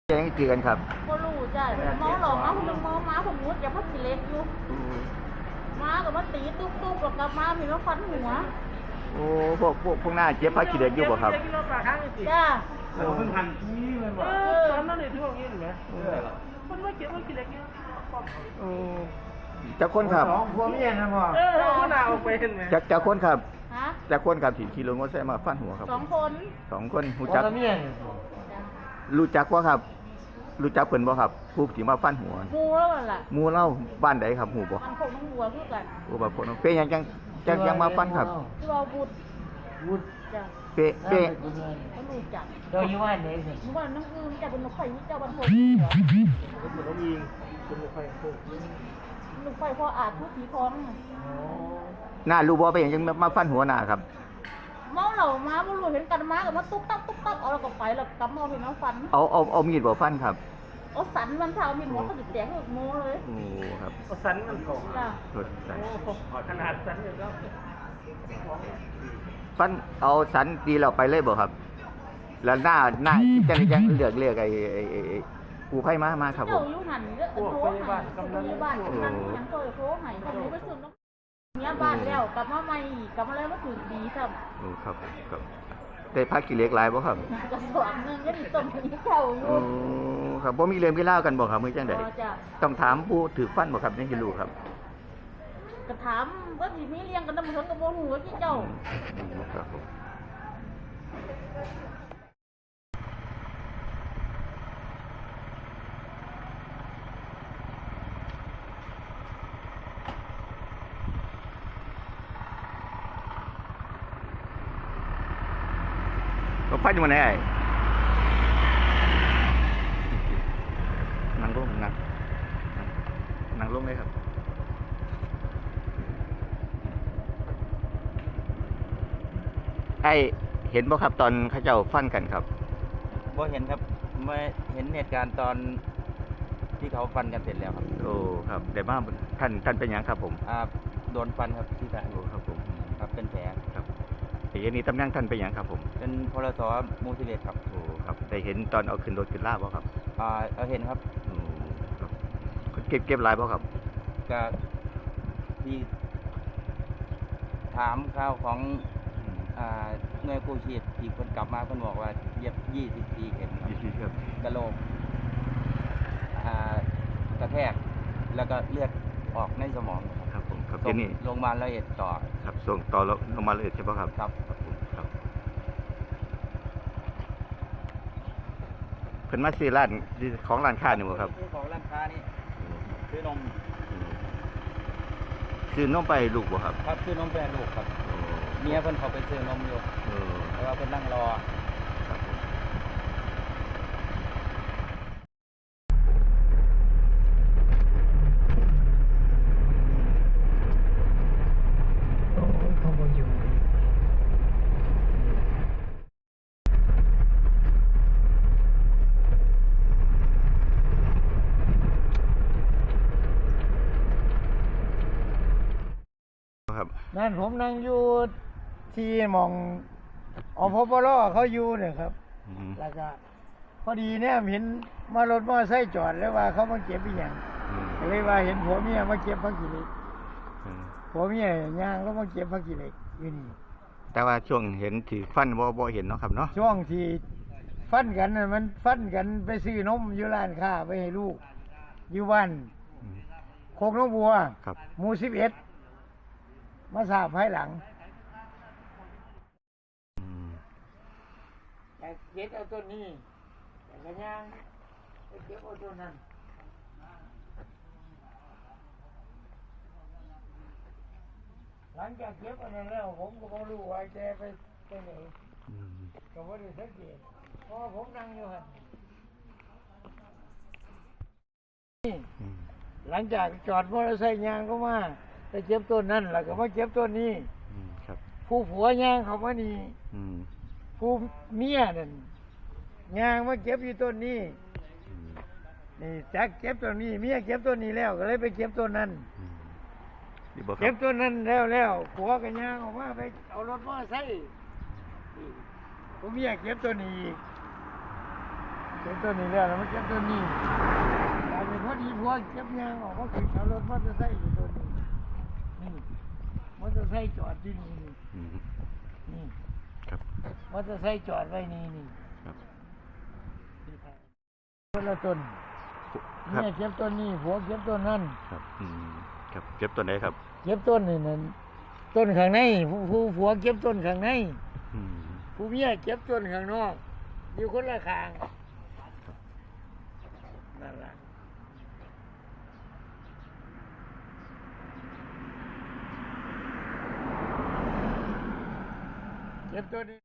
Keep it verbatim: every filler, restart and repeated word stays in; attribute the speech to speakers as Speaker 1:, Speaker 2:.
Speaker 1: แจ้งตีกันครับ
Speaker 2: ก็รู้จ้ะเมาหลอกมาคนนึงเมาม้าผมมุดอย่าพักกิเลสอยู่ม้ากับมาตีตุ๊บตุ๊บกับกับม้ามีมาฟันหัว
Speaker 1: โอ้พวกพวกพวกหน้าเจ็บพักขี้เด็กอยู่บ่ครับ
Speaker 2: จ้า
Speaker 3: เราเพิ่งหันนี้เลยบ่เออทำนั่นเลยที่ว่างี้เห็นไหมคนว่าเจ็บว่ากิเลสเนี่ย
Speaker 1: จะคนครับ
Speaker 3: สองพวกนี้นะพ่อเออคนเอาไปเห็นไหม
Speaker 1: จะจะคนครับ
Speaker 2: ฮะ
Speaker 1: จะคนครับที่ขี่รถมอเตอร์ไซค์มาฟันหัวครับ
Speaker 2: สองคน
Speaker 1: สองคนรู้จักรู้จักว่าครับรู้จักเพิ่นบ่ครับผู้ที่มาฟันหัว
Speaker 2: มูแล้วล่ะ
Speaker 1: มูเล่าบ้านใดครับหูบ่
Speaker 2: มันคงต้องหัวคือกัน
Speaker 1: โอ้บ่พ้นเปยังจังจังยังมาฟันครับ
Speaker 2: ที่ว่าบุตร
Speaker 3: บุตร
Speaker 2: จ้ะ
Speaker 1: เปเป
Speaker 2: เขารู้จัก
Speaker 3: เจ้าอยู่บ้านไหนสิ
Speaker 2: อยู่บ้านน้องอืมจ้ะเป็นนกไข่เจ้าบ้านพง
Speaker 3: เป็นนกยิงเป็นนกไข่พง
Speaker 2: นกไข่พออาจทุกผีท้อง
Speaker 1: หน้ารู้บ่ไปยังจังมาฟันหัวหน้าครับ
Speaker 2: เมาเหล่าม้าบุรุษเห็นกันม้ากับมาตุ๊กตักตุ๊กตักเอาแล้วก็ไปแล้วกำเอาเห็นน้องฟัน
Speaker 1: เอาเอาเอามีดบ่ฟันครับ
Speaker 2: เอาสันมันเช้ามีดหัวเขาติดแดงหกโมเลย
Speaker 1: โอ้ครับ
Speaker 3: เอาสันมันก่อน
Speaker 2: จ้ะ
Speaker 3: โอ้ขนาดสันอยู่แล้ว
Speaker 1: ฟันเอาสันตีเราไปเลยบ่ครับแล้วหน้าหน้าจะยังเลือกเลือกไอ้ไอ้ไอ้กูไพ่มามาครับผม
Speaker 2: เจ้าอยู่หันเด้อโทรหายกำลังบ้านนั่งยังโทรโทรหายคนนี้ไปซื้อน้ำเนี้ยบ้านแล้วกลับมาใหม่กลับมาแล้วมาถึงดีครับ
Speaker 1: โอ้ครับครับได้พักกี่เล็กหลายบ่ครับ
Speaker 2: กระสอบนึงก็ดีต้มนี้เจ้าอยู่
Speaker 1: โอ้ครับบ่มีเรื่องมีเล่ากันบ่ครับมื้อจังได๋ต้องถามผู้ถือฟันบ่ครับยังสิรู้ครับ
Speaker 2: ก็ถามว่าสิมีเลี้ยงกันนำเพิ่นก็บ่ฮู้ว่าที่เจ้า
Speaker 1: ครับผมก็ฟันอยู่ไหนไอ้นั่งลงนั่งนั่งลงเลยครับไอ้เห็นบ่ครับตอนเขาเจ้าฟันกันครับ
Speaker 4: บ่เห็นครับไม่เห็นเหตุการณ์ตอนที่เขาฟันกันเสร็จแล้วครับ
Speaker 1: โอ้ครับแต่บ้าท่านท่านเป็นยังครับผม
Speaker 4: อ่าโดนฟันครับที่ขา
Speaker 1: โอ้ครับผม
Speaker 4: ครับเป็นแผล
Speaker 1: ครับแต่ยันนี้ตำแหน่งท่านเป็นยังครับผม
Speaker 4: เป็นพลสมูสิเลตครับ
Speaker 1: โอ้ครับได้เห็นตอนเอาขึ้นรถขึ้นลาบ่ครับ
Speaker 4: อ่าเอาเห็นครับ
Speaker 1: โอ้ครับเก็บเก็บลายบ่ครับ
Speaker 4: ก็ที่ถามข่าวของอ่าหน่วยกู้ชีพที่คนกลับมาเพิ่นบอกว่าเย็บยี่สิบสี่เข็ม
Speaker 1: ยี่สิบครับ
Speaker 4: กระโหลกอ่ากระแทกแล้วก็เลือดออกในสมอง
Speaker 1: ครับผมครับ
Speaker 4: ที่นี่โรงพยาบาลละเอียดต่อ
Speaker 1: ครับส่งต่อโรงพยาบาลละเอียดใช่ป่ะครับ
Speaker 4: ครับครับ
Speaker 1: ครับเพิ่นมาซื้อร้านของร้านค้านี่บ่ครับ
Speaker 4: ของร้านค้านี่ซื้อนม
Speaker 1: ซื้อนมไปลูกบ่ครับ
Speaker 4: ครับซื้อนมไปลูกครับเมียเพิ่นเขาไปซื้อนมอยู่แต่ว่าเพิ่นนั่งรอ
Speaker 1: ครับ
Speaker 3: เขาบ่อยู่นั่นผมนั่งอยู่ที่มองอพปรเขาอยู่เนี่ยครับแล้วก็พอดีเนี่ยเห็นมารถมอไซค์จอดแล้วว่าเขามาเก็บอีหยังเลยว่าเห็นผัวเมียมาเก็บผักขี้เหล็กผัวเมียย่างก็มาเก็บผักขี้เหล็กอยู่นี่
Speaker 1: แต่ว่าช่วงเห็นถือฟันบ่บ่เห็นเนาะครับเนาะ
Speaker 3: ช่วงที่ฟันกันน่ะมันฟันกันไปซื้อนมอยู่ร้านค้าไปให้ลูกอยู่บ้านโคกน้องบัวหมู่สิบเอ็ดมาทราบภายหลังแต่เก็บเอาต้นนี้แต่กระย่างเก็บเอาต้นนั้นหลังจากเก็บอันนั้นแล้วผมก็ไม่รู้ว่าแกไปไปไหนก็ไม่ได้สังเกตเพราะผมนั่งอยู่หันหลังจากจอดมอเตอร์ไซค์ยางก็มาไปเก็บต้นนั่นแล้วก็มาเก็บต้นนี้ผู้ผัวยางเขามานี่ผู้เมียนั่นยางมาเก็บอยู่ต้นนี้นี่จักเก็บต้นนี้เมียเก็บต้นนี้แล้วก็เลยไปเก็บต้นนั้นเก็บต้นนั้นแล้วแล้วผัวกับยางออกมาไปเอารถมอเตอร์ไซค์ผู้เมียเก็บต้นนี้อีกเก็บต้นนี้แล้วแล้วมาเก็บต้นนี้กลายเป็นพอดีพวกเก็บยางออกก็คือขับรถมอเตอร์ไซค์อยู่ต้นนี้นี่มอเตอร์ไซค์จอดที่นี่นี่
Speaker 1: อืม
Speaker 3: นี่
Speaker 1: ครับ
Speaker 3: มอเตอร์ไซค์จอดไว้นี่นี่
Speaker 1: ครับ
Speaker 3: คนละต้น
Speaker 1: ครั
Speaker 3: เนี่
Speaker 1: บ
Speaker 3: ยเก็บต้นนี้ผัวเก็บต้นนั่น
Speaker 1: ครับอืมครับเก็บตัวไหนครับ
Speaker 3: เก็บต้นนี่นั่นต้นข้างในผู้ผู้ผัวเก็บต้นข้างใน
Speaker 1: อืม
Speaker 3: ผู้เมียเก็บต้นข้างนอกอยู่คนละข้างนั่นแหละเก็บต้นนี้